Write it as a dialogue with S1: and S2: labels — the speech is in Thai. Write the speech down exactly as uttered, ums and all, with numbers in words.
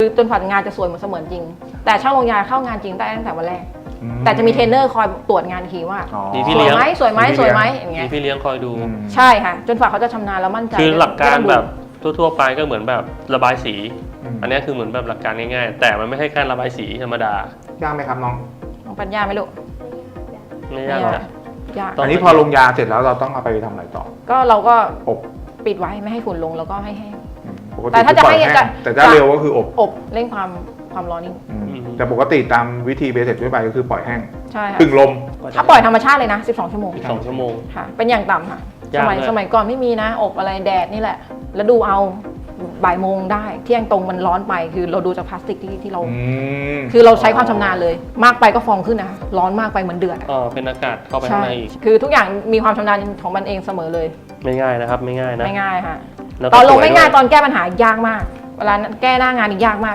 S1: จนกว่างานจะสวยเหมือนเสมือนจริงแต่ช่างลงยาเข้างานจริงได้ตั้งแต่วันแรกแต่จะมีเทรนเนอร์คอยตรวจงานทีว่าสวยไหมสวยไหมสวยไหมอย่างเงี้ย
S2: มีพี่เลี้ยงคอยดู
S1: ใช่ค่ะจนฝ่าเขาจะชำนาญแล้วมั่นใจ
S2: คือหลักการแบบทั่วๆไปก็เหมือนแบบระบายสีอันนี้คือเหมือนแบบหลักการง่ายๆแต่มันไม่ใช่แค่ระบายสีธรรมดาย
S3: ากไหมครับน้อง
S1: น้องปัญญาไหมลูก
S2: ไม่ยากหรอก
S1: ยาก
S3: อันนี้พอลงยาเสร็จแล้วเราต้องเอาไปทำอะไรต่อ
S1: ก็เราก็
S3: อบ
S1: ปิดไว้ไม่ให้ฝุ่นลงแล้วก็ให้แห้ง
S3: แต่ถ้าจะให้แต่ถ้าเร็วก็คืออบ
S1: อบเร่งความความร้อนนี่
S3: แต่ปกติตามวิธีเบสิกทั่วไปก็คือปล่อยแห้ง
S1: ใช่ค่ะ
S3: พึ่งลม
S1: ถ้าปล่อยธรรมชาติเลยนะสิบสองชั่วโมง
S2: สิบสองชั่วโมง
S1: ค่ะเป็นอย่างต่ำค่ะสมัยสมัยก่อนไม่มีนะอบอะไรแดดนี่แหละแล้วดูเอาบ่ายโมงได้เที่ยงตรงมันร้อนไปคือเราดูจากพลาสติกที่ที่เราคือเราใช้ความชำนาญเลยมากไปก็ฟองขึ้นนะร้อนมากไปเหมือนเดือด
S2: อ๋อเป็นอากาศเข้าไปข้างในอีก
S1: คือทุกอย่างมีความชำนาญของมันเองเสมอเลย
S2: ไม่ง่ายนะครับไม่ง่ายนะ
S1: ไม่ง่ายค่ะตอนลงไม่ง่ายตอนแก้ปัญหายากมากเวลาแก้หน้างานนี่ยากมาก